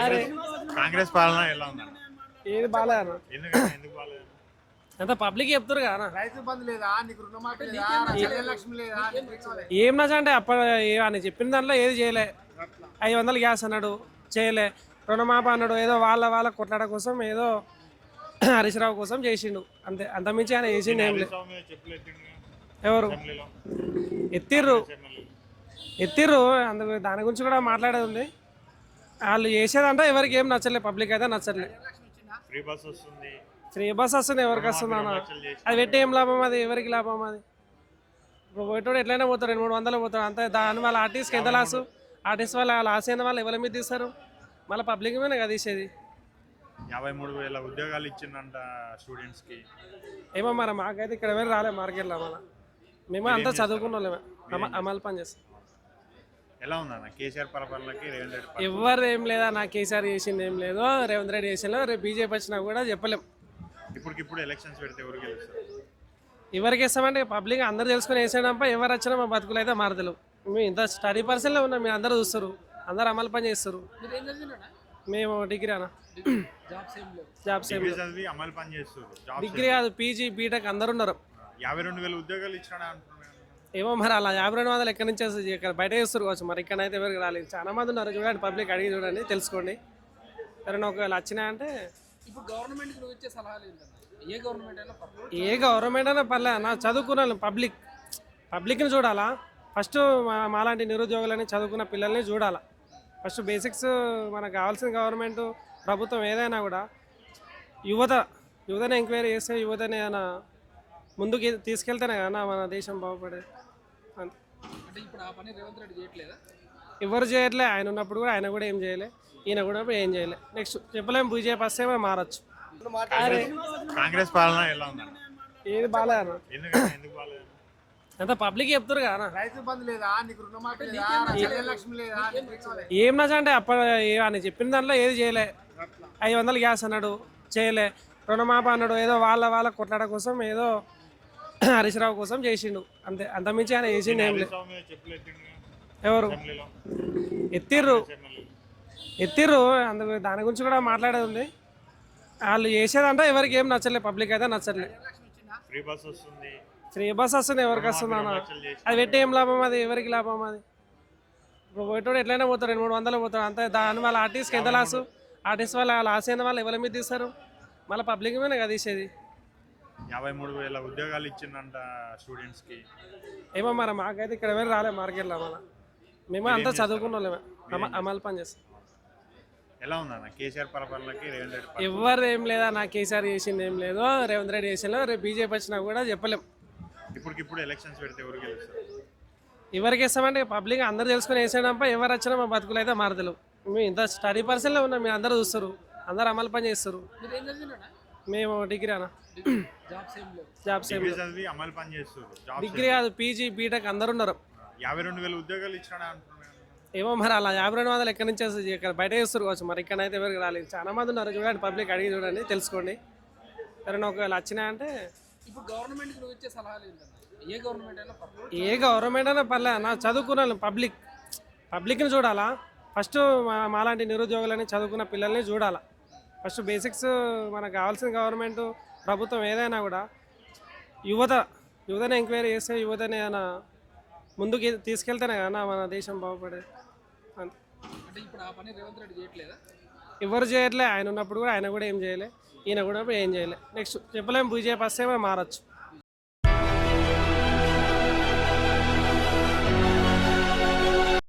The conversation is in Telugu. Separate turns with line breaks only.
అరే
కాంగ్రెస్ పాలన ఎలా ఉందన్న?
ఏది బాగాలేదు
ఎందుకు బాగాలేదు?
అంత పబ్లిక్ చెప్తారు కదా
రైతు బంధు లేదా నీకు రుణమాఫీ లేదా లక్ష్మి లేదా
ఏం నచ్చ అంటే అప్పుడు అని చెప్పిన దాంట్లో ఏది చేయలే. 500 గ్యాస్ అన్నాడు, చేయలే. రుణమాఫీ అన్నాడు, ఏదో వాళ్ళ కొట్లాడ కోసం ఏదో హరీశ్రావు కోసం చేసిండు అంతే. అంతమించి ఆయన చేసిండు ఏం లేదు.
స్వామి మీద చెప్పులు ఎత్తిండు
ఎవరు
అసెంబ్లీలో.
ఎత్తిర్రు అందుకు దాని గురించి కూడా మాట్లాడేది ఉంది. వాళ్ళు చేసేదంటే ఎవరికి ఏం నచ్చలేదు, పబ్లిక్ అయితే నచ్చట్లేదు.
ఫ్రీ బస్ వస్తుంది.
ఫ్రీ బస్ వస్తుంది, ఎవరికి వస్తుంది అన్న? అది పెట్టి ఏం లాభం, అది ఎవరికి లాభం? అది ఇప్పుడు పోయేటోడు ఎట్లయినా పోతాడు, 200-300 పోతాడు అంతే. దాని వాళ్ళ ఆర్టిస్ట్కి ఎంత లాసు? ఆర్టిస్ట్ వాళ్ళ లాస్ అయిన వాళ్ళు ఎవరి మీద తీస్తారు? మళ్ళీ పబ్లిక్ మీద కదా తీసేది.
53,000 ఉద్యోగాలు ఇచ్చిందంట స్టూడెంట్స్ కి.
ఏమో మరి మాకైతే ఇక్కడ వెళ్ళి రాలే మార్కెట్లో. మళ్ళీ మేము అంతా చదువుకున్న వాళ్ళమే, అమలు పని చేస్తాం.
ఎలా ఉందన్న కేసీఆర్ పరిపాలనకి రేవంత్ రెడ్డి?
ఎవరు ఏం లేదా, నా కేసీఆర్ చేసింది ఏం లేదు, రేవంత్ రెడ్డి చేసిందో. రేపు బీజేపీ వచ్చినా కూడా చెప్పలేం.
ఇప్పటికిప్పుడు ఎలక్షన్స్ పెడితే ఎవరు గెలుస్తారు?
ఎవరికి ఇస్తామంటే పబ్లిక్ అందరూ తెలుసుకుని వేసేయడంపై ఎవరు వచ్చినా మా బతుకులు అయితే మారతలేవు. మేము ఇంత స్టడీ పర్సన్లో ఉన్నాం, మీరు అందరూ చూస్తారు, అందరూ అమలు పని చేస్తారు. మేము డిగ్రీ అన్న, జాబ్ సేమ్
చదివి అమలు పని చేస్తారు.
డిగ్రీ కాదు, పీజీ బీటెక్ అందరు ఉన్నారు.
52,000 ఉద్యోగాలు ఇచ్చినా అంటున్నాను.
ఏమో మరి అలా 5200 ఎక్కడి నుంచి వస్తుంది? ఇక్కడ బయట చేస్తారు కావచ్చు, మరి ఇక్కడైతే ఎవరికి రాలేదు. చాలా మంది ఉన్నారు, చూడండి, పబ్లిక్ అడిగి చూడండి, తెలుసుకోండి. ఎవరైనా ఒకవేళ వచ్చినాయంటే.
ఇప్పుడు గవర్నమెంట్ నువ్వు ఇచ్చే సలహాలు ఏంటన్నా? ఏ గవర్నమెంట్ అయినా పర్లేదు,
ఏ గవర్నమెంట్ అయినా పర్లే అన్న. చదువుకున్న పబ్లిక్ని చూడాలా ఫస్ట్. మాలాంటి నిరుద్యోగులని చదువుకున్న పిల్లల్ని చూడాలా ఫస్ట్. బేసిక్స్ మనకు కావాల్సిన గవర్నమెంట్ ప్రభుత్వం ఏదైనా కూడా యువతని ఎంక్వైరీ చేస్తే, యువతని ఏమైనా ముందుకు తీసుకెళ్తేనే కదా మన దేశం బాగుపడేది.
అంటే ఇప్పుడు ఆ పని రేవంత్ రెడ్డి చేయట్లేదా?
ఎవరు చేయట్లే. ఆయన ఉన్నప్పుడు కూడా ఆయన కూడా ఏం చేయలే, ఈయన కూడా ఏం చేయలే. నెక్స్ట్ చెప్పలేము, బీజేపీ వస్తే మనం మారచ్చు.
కాంగ్రెస్ పాలన ఎలా ఉందన్న?
ఏది బాగాలేదు
ఎందుకు బాగాలేదు?
అంత పబ్లిక్ చెప్తారు కదా.
రైతు బంధు లేదా నీకు రుణమాఫీ లేదా లక్ష్మి లేదా
ఏం నచ్చ అంటే అప్పుడు అని చెప్పిన దాంట్లో ఏది చేయలే. 500 గ్యాస్ అన్నాడు, చేయలే. రుణమాఫీ అన్నాడు, ఏదో వాళ్ళ కొట్లాడ కోసం ఏదో హరీశ్రావు కోసం చేసిండు అంతే. అంతమించి ఆయన చేసిండు ఏం లేదు.
స్వామి మీద చెప్పులు ఎత్తిండు
ఎవరు
అసెంబ్లీలో.
ఎత్తిర్రు అందుకు దాని గురించి కూడా మాట్లాడేది ఉంది. వాళ్ళు చేసేదంటే ఎవరికి ఏం నచ్చలేదు, పబ్లిక్ అయితే నచ్చట్లేదు.
ఫ్రీ బస్ వస్తుంది.
ఫ్రీ బస్ వస్తుంది, ఎవరికి వస్తుంది అన్న? అది పెట్టి ఏం లాభం, అది ఎవరికి లాభం? అది ఇప్పుడు పోయేటోడు ఎట్లయినా పోతాడు, 200-300 పోతాడు అంతే. దాని వాళ్ళ ఆర్టిస్ట్కి ఎంత లాసు? ఆర్టిస్ట్ వాళ్ళ లాస్ అయిన వాళ్ళు ఎవరి మీద తీస్తారు? మళ్ళీ పబ్లిక్ మీద కదా తీసేది.
53,000 ఉద్యోగాలు ఇచ్చిందంట స్టూడెంట్స్ కి.
ఏమో మరి మాకైతే ఇక్కడ వెళ్ళి రాలే మార్కెట్లో. మళ్ళీ మేము అంతా చదువుకున్న వాళ్ళమే, అమలు పని చేస్తాం.
ఎలా ఉందన్న కేసీఆర్ పరిపాలనకి రేవంత్ రెడ్డి?
ఎవరు ఏం లేదా, నా కేసీఆర్ చేసింది ఏం లేదు, రేవంత్ రెడ్డి చేసిందో. రేపు బీజేపీ వచ్చినా కూడా చెప్పలేం.
ఇప్పటికిప్పుడు ఎలక్షన్స్ పెడితే ఎవరు గెలుస్తారు?
ఎవరికి ఇస్తామంటే పబ్లిక్ అందరూ తెలుసుకుని వేసేయడంపై ఎవరు వచ్చినా మా బతుకులు అయితే మారతలేవు. మేము ఇంత స్టడీ పర్సన్లో ఉన్నాం, మీరు అందరూ చూస్తారు, అందరూ అమలు పని చేస్తారు. మేము డిగ్రీ అన్న, జాబ్ సేమ్
చదివి అమలు పని చేస్తారు.
డిగ్రీ కాదు, పీజీ బీటెక్ అందరు ఉన్నారు.
52,000 ఉద్యోగాలు ఇచ్చినా అంటున్నాను.
ఏమో మరి అలా 5200 ఎక్కడి నుంచి వస్తుంది? ఇక్కడ బయట చేస్తారు కావచ్చు, మరి ఇక్కడైతే ఎవరికి రాలేదు. చాలా మంది ఉన్నారు, చూడండి, పబ్లిక్ అడిగి చూడండి, తెలుసుకోండి. ఎవరైనా ఒకవేళ వచ్చినాయంటే.
ఇప్పుడు గవర్నమెంట్ నువ్వు ఇచ్చే సలహాలు ఏంటన్నా? ఏ గవర్నమెంట్ అయినా పర్లేదు,
ఏ గవర్నమెంట్ అయినా పర్లే అన్న. చదువుకున్న పబ్లిక్ని చూడాలా ఫస్ట్. మాలాంటి నిరుద్యోగులని చదువుకున్న పిల్లల్ని చూడాలా ఫస్ట్. బేసిక్స్ మనకు కావాల్సిన గవర్నమెంట్ ప్రభుత్వం ఏదైనా కూడా యువతని ఎంక్వైరీ చేస్తే, యువతని ఏమైనా ముందుకు తీసుకెళ్తేనే కదా మన దేశం బాగుపడేది.
అంటే ఇప్పుడు ఆ పని రేవంత్ రెడ్డి చేయట్లేదా?
ఎవరు చేయట్లే. ఆయన ఉన్నప్పుడు కూడా ఆయన కూడా ఏం చేయలే, ఈయన కూడా ఏం చేయలే. నెక్స్ట్ చెప్పలేము, బీజేపీ వస్తే మనం మారచ్చు.